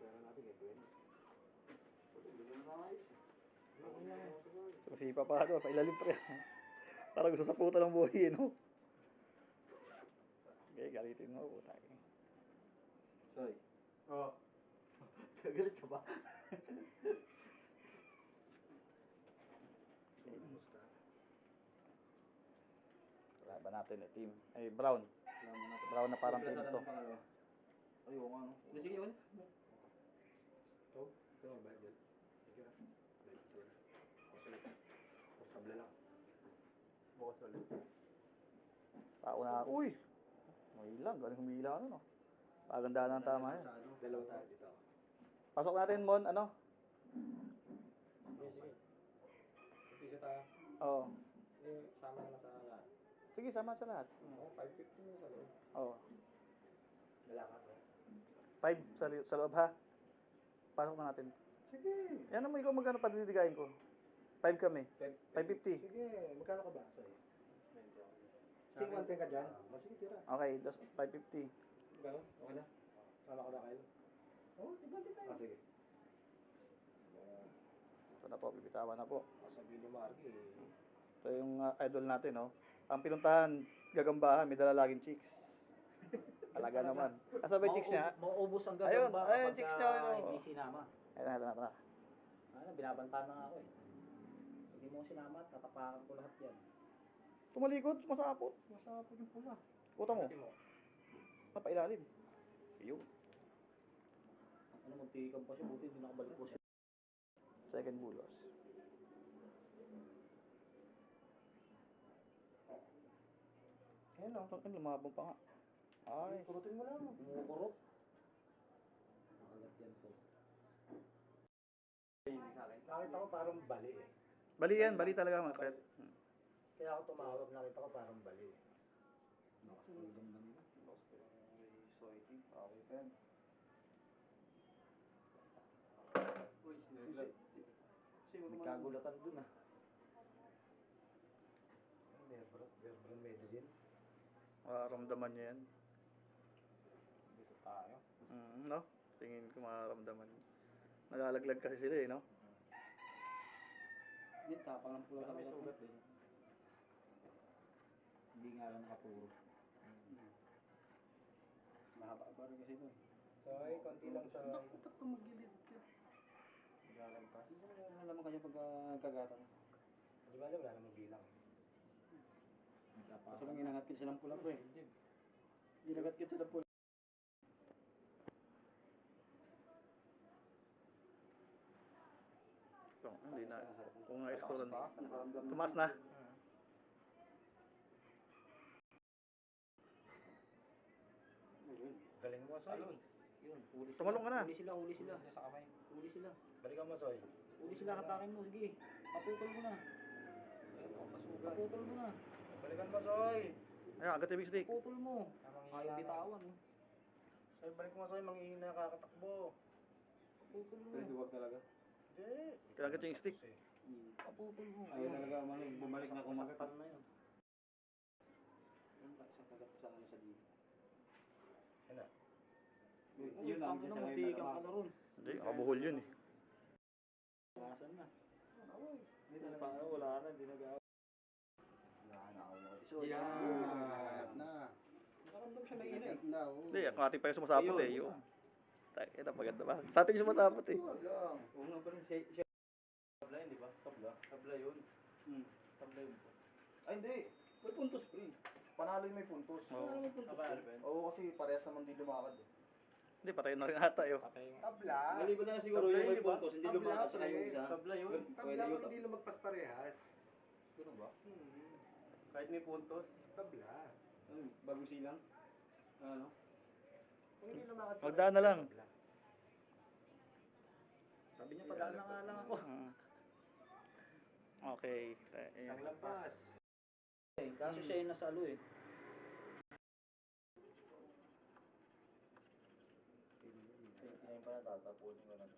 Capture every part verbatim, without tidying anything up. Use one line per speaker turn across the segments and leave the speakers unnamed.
pera natin kay Gwen. Hindi na nakayos.
Kasi pa pa ano, pailalim pa yan. Parang gusto sa puta ng buhay, no? Okay, galitin mo, puta.
Soy. Oo. Galit ka ba? Kumusta?
Laban natin eh, team. Ay, Brown. Brown na parang team to.
Ay, oo nga, no?
Sige, yun.
Ito? Ito, bayad yan. Sige na. Bayad ito na. Bukas ulit. Bukas tabla lang. Bukas ulit.
Tao na, uy! May ilang, galing humila ano, no? Paganda ng tama yan.
Dalawa tayo dito.
Pasok natin, Mon, ano?
Sige, sige. Umpisa tayo.
Oo.
Eh, sama na sa lahat.
Sige, sama sa lahat.
Oo, five fifty na sa loob.
Oo.
Lalakad mo.
Five sa, li- sa loob, ha? Pasok na natin.
Sige.
Yan naman, ikaw magkano pa dinidigayin ko? Five kami. Five fifty.
Sige. Magkano ka ba? Soy. Sige, one ten ka dyan. O, sige, tira.
Okay, that's five fifty.
Gano'n? Okay na?
Sama ko na kayo.
Oo, sige, tayo.
Ah, sige.
Ito na po, bibitawan na po.
Sabihin ni Marky, eh.
Ito yung uh, idol natin, no? Ang pinuntahan, gagambahan, may dala laging chicks. Talaga naman. Asa ba yung chicks niya?
Mauubos ang
Ayun,
gagamba
ayun,
kapag
chicks niya,
ah,
ayun,
hindi
oh.
sinama.
Ayun na, ito na, ito na.
Ano, binabanta na nga ako eh. Hindi mo sinama, tatapakan ko lahat yan.
Tumalikod, sumasapot.
Masapot yung pula.
Kuta mo.
Pati mo.
Napailalim. Yun.
Ano, muntikan pa siya, buti hindi nakabalik po siya.
Second bulos. Ayan lang, ito lumabang pa nga. Ay,
Kurutin mo lang.
Umukurot. Nakagat yan po.
Nakita ko parang bali eh.
bali yan, bali talaga mga pet. Hmm.
Kaya ako tumawag, nakita ko parang bali eh.
Lakas po yung ganda nila.
Soy tea, okay pa yan. Uy,
May kagulatan dun ah.
Nerbron, Nerbron medicine.
Mararamdaman niya yan.
Dito tayo.
Mm, no? Tingin ko mararamdaman. Nalalaglag kasi sila eh, no?
Hindi, tapang ng pula kami sugat din. Hindi nga lang nakapuro. Mahaba-haba rin kasi ito.
Soy, konti lang soy.
Naku, ba't tumagilid ka? Galampas. Ano naman kayo pag uh, kagatan?
Di ba alam, wala namang bilang.
Kaso lang inangat kita ng pula, pre. Ginagat kita ng pula.
So, hindi na. Kung na-scrollan. Tumaas na.
Galing mo, Soy.
Alon. Yun, huli sila.
Tumalong ka na.
Huli sila, huli sila. Sa kamay. Huli sila.
Balikan mo, Soy.
Huli sila, katakin mo. Sige, paputol mo na. Paputol mo na.
Balikan mo, Soy.
Ayun, agad yung big stick.
Paputol mo. Ayaw bitawan eh.
Soy, balik mo, Soy. Manghihina kakatakbo.
Paputol mo.
Duwag talaga.
Hindi.
Kailangan yung stick.
Paputol mo.
Ayaw talaga, man, bumalik na kumagat.
Saktan na yun. Yung isang kagat sa ano sa dito.
Yan na.
Yun ang
Tangin na,
isa sa
muntikan ka na ron.
Hindi, nakabuhol yun eh.
Bawasan na.
Hindi talaga, wala na, hindi nag-aaw.
Yan. Na.
Nakaramdam siya na ina eh.
Na, oh.
Hindi, ang ating pa yung sumasapot eh. Yun. Tayo, ito, maganda ba? Sa ating yung sumasapot eh.
Oo nga, pero siya, siya. Tabla yun, di ba? Tabla. Tabla yun.
Hmm.
Tabla yun.
Ay, hindi.
May puntos pa rin.
Panalo yung may puntos.
Oo.
May puntos
Aba,
pa
ano
rin.
ba yun?
Oo, kasi parehas naman din lumakad eh.
Hindi, patayin na rin ata yun.
Patay nga.
Tabla.
Maliban na lang siguro
Tabla
yung
yun,
may
di ba?
puntos, hindi
Tabla,
lumakas sa
pre.
yung isa.
Tabla yun.
Pwede
Tabla
yun.
kung hindi lumagpas parehas.
Ganun ba?
Hmm.
Kahit may puntos.
Tabla.
Ano, bagong silang. Ano?
Kung hindi lumakad
Magdaan na lang.
tabla.
Sabi niya, padaan na nga lang ako.
Mm. Okay.
Isang lampas.
Eh, kaso siya yung nasa alo eh.
Ayun pa na, tatapunin ko na.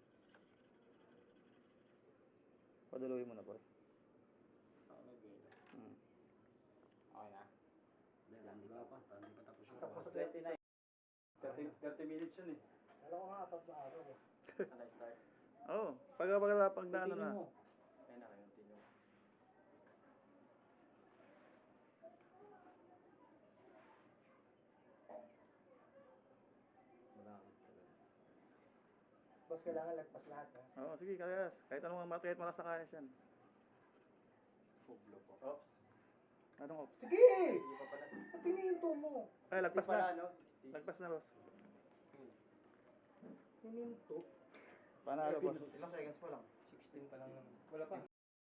Paduluhin mo na, boy.
Ako nag-game.
Mm.
Okay na.
Wala pa. Hindi pa tapos yun.
Tapos sa twenty-nine.
thirty, thirty minutes yun eh.
Alam ko nga, apat na araw eh.
Ano start?
Oo. Oh, pag pag pag na ano na.
Continue mo.
Ayun na, continue.
Malakad talaga.
Boss, kailangan lagpas lahat ha.
Oo, oh, sige, kayas. Kahit anong mga kahit malas na kayas yan.
Puglo po.
Oops.
Anong off?
Sige!
Sige pa pala.
At tinihinto mo.
Ay, lagpas
sixty pala,
na.
no? sixty.
Lagpas na, boss.
Tinihinto.
Panalo, boss.
Ilang seconds pa lang?
sixteen pa lang naman. Wala pa.